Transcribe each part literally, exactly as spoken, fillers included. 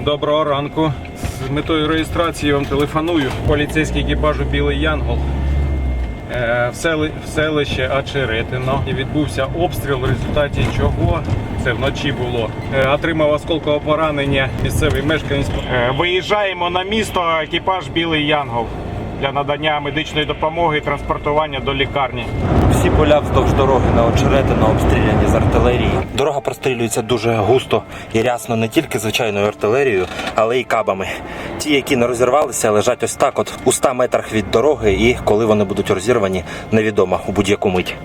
Доброго ранку. З метою реєстрації вам телефоную. Поліцейський екіпажу «Білий Янгол» в сели, в селище Очеретино. І відбувся обстріл, в результаті чого, це вночі було, отримав осколкове поранення місцевий мешканець. Виїжджаємо на місто, екіпаж «Білий Янгол» для надання медичної допомоги і транспортування до лікарні. Всі поля вздовж дороги на Очеретино обстріляні з артилерії. Дорога прострілюється дуже густо і рясно не тільки звичайною артилерією, але й кабами. Ті, які не розірвалися, лежать ось так от у ста метрах від дороги, і коли вони будуть розірвані, невідомо у будь-яку мить.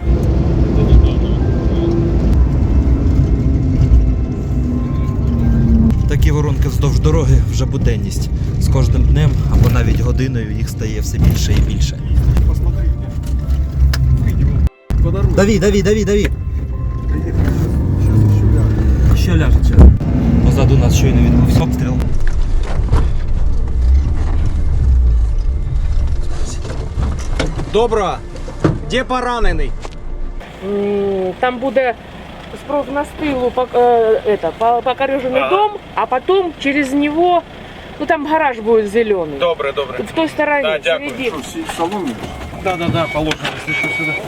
Такі воронки вздовж дороги вже буденність. З кожним днем або навіть годиною їх стає все більше і більше. Дави, дави, дави, дави. Що ляжеться? Позаду нас щойно відбувся обстріл. Доброго. Де поранений? Там буде справа з тилу покорежений дом, а потом через него, ну там гараж будет зеленый. Добре, добре. В той стороне, Да, дякую. середине. Соломі? Да, да, да, положено, якщо що, сюди.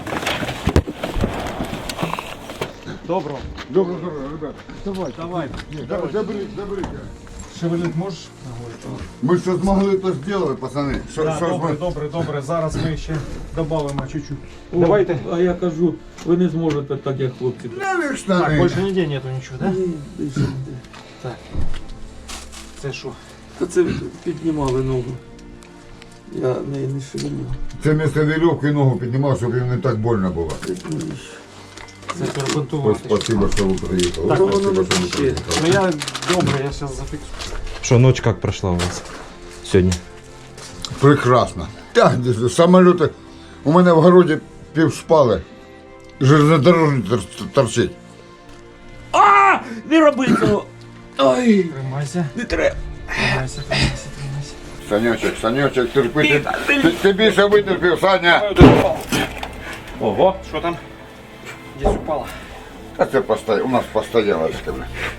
Добро. Добро, добро, ребят. Давай, Давай. давай. Заберите, заберите. Шевелить можеш? Мы что смогли, то сделали, пацаны. Что, Да, что добре, мы... добре, добре. Зараз ми ще додамо чуть-чуть. Давайте. А я кажу, ви не зможете так, як хлопці. Навек штаны. Так, більше ніде нету нічого, да? Так. Це що? Та це піднімали ногу. Я неї не шевелю. Це вместо веревки ногу поднимал, чтобы им не так больно было. Це перебинтувати. Спасибо, что вы приехали. Так, Спасибо, что вы приехали. Ну я добре, я зараз зафіксую. Що, ночь як пройшла у вас сьогодні? Прекрасно. Так, самолеты. У мене в городі пів шпали. Железнодорожник тор- торчить. А! Не роби цього! Ой! Тримайся. Не треба! Тримайся, тримайся, тримайся. Санечек, Санечек, терпи. Ти, ти, ти більше витерпів, Саня. Ого, що там? Десь упало. А це постоя... у нас постоялочка.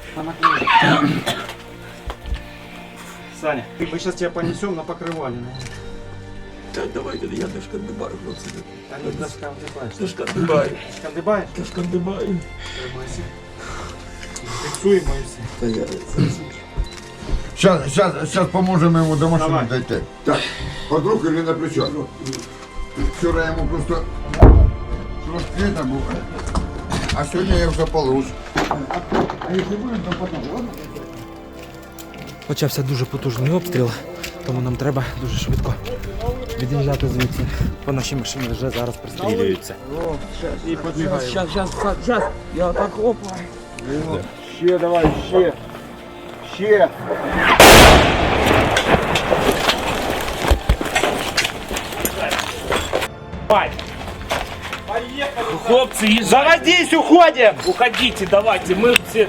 Саня, мы сейчас тебя понесем на покрывале. Так, давайте, я не шкандибаю, хлопці. Та не доскандибаєш. Не шкандибаю. Шкандибаєш? Не шкандибаю. Тримайся. Фіксуємо і все. Та я... Сейчас, сейчас, сейчас поможем ему до машины Давай. дойти. Так, под руку или на плечо? Вчера ему просто шорт-цвета был, а сегодня я уже получше. А если будем, то потом, ладно? Почався дуже потужний обстріл, тому нам треба дуже швидко від'їжджати звідси. По нашій машині вже зараз пристрілюються. І підбігаємо. Щас, щас, щас. Я так опа. Ще давай, ще. Ще. Хлопцы, езжайте. Заводись, уходим! Уходите, давайте, мы все...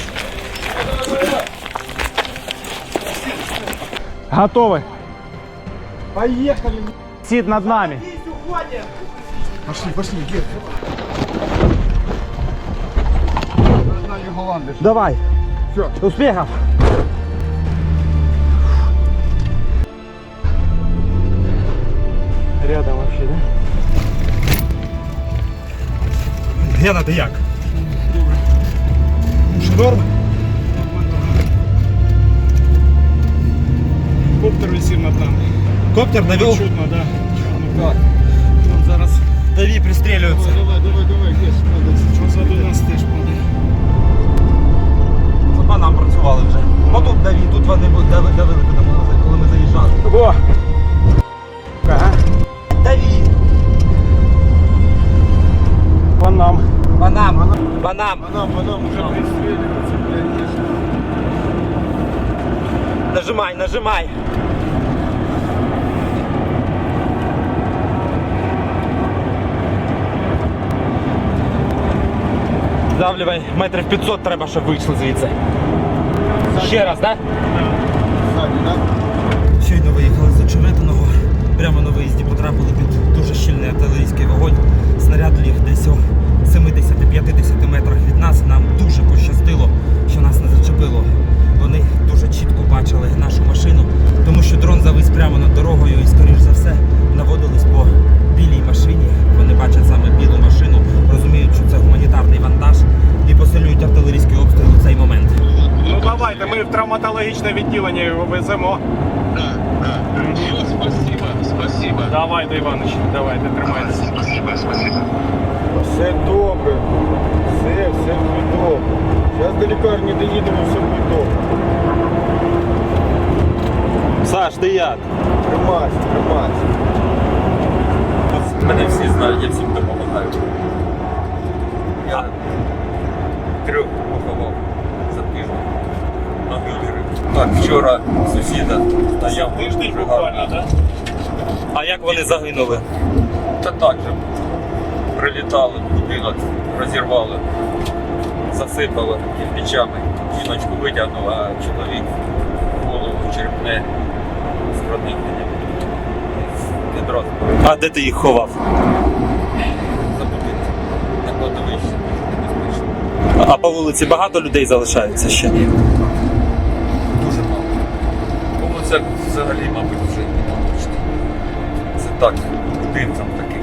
Готовы? Поехали! Сид над нами. Пошли, пошли, где? Давай. Все. Успехов! Рядом вообще, да? Гена, ти як? Норм? Коптер висів над нами. Коптер навів? Чутно, да. Чутно. Так. Там зараз... Даві пристрілюються. Давай, давай, давай, где? Позаду нас теж падає. Це по нам працювали вже. Отут даві, тут вони давили, давили коли ми заїжджали. О! Ага. Даві! По нам. По нам! По нам! Нам, нам уже пристреливаться, блядь. Нажимай, нажимай! Давлювай, метрів п'ятсот треба, щоб вийшли звідси. Ще раз, так? Сзади, да? Щойно виїхали з Очеретиного. Прямо на виїзді потрапили під дуже щільний артилерійський вогонь. Снаряд ліг десь у сімдесят-п'ятдесят метрах від нас. Нам дуже пощастило, що нас не зачепило. Вони дуже надсилайте, ми в травматологічне відділення його веземо. Да, да. Все, спасибо, спасибо. Давайте, Іванович, давайте, тримайтеся. Спасибо, спасибо. Все добре. Все, все буде добре. Зараз до лікарні доїдемо, все буде добре. Саш, ти як? Тримайся, тримайся. Мене всі знають, я всім допомагаю. Я трьох поховав за тиждень на вилірі. Так, вчора сусіда стояв дуже гарно. А як вони загинули? Та так же прилітали, будинок розірвали, засипали кирпичами. Жіночку витягнув, а чоловік голову черепне з проникненням. Відразу А де ти їх ховав? за будинком. На кладовищі небезпечно. А по вулиці багато людей залишається ще? Дуже мало. Тому це взагалі, мабуть, вже не мабуть. Це так, будинкам таких.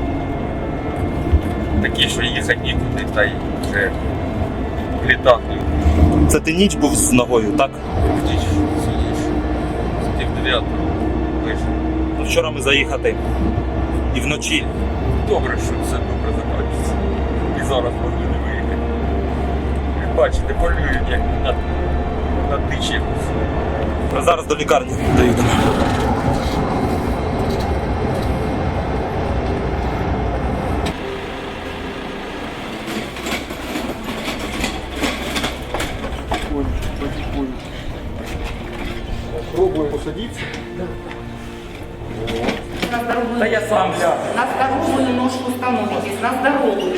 Такі, що їхати нікуди, та й вже літак не Це ти ніч був з ногою, так? втіч сидиш. З пів дев'ятого вийшов. Ну, вчора ми заїхати. І вночі. Добре, що все добре закінчиться. І зараз могли не виїхати. Ви бачите, полюють, як на, на дичі. Ми зараз до лікарні доїдемо. Пробуємо посадитися. Да я сам гляну. На здоровую ножку становитесь, на здоровую.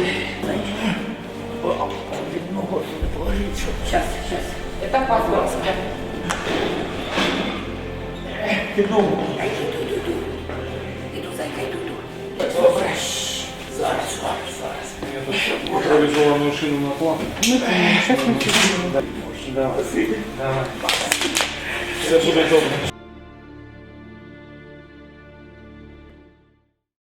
Сейчас, сейчас. Это по-зловски. Иду, зайка, иду, иду. Добре. Зараз, зараз, зараз. Реалізовану шину на план. Сейчас мы Все буде добре.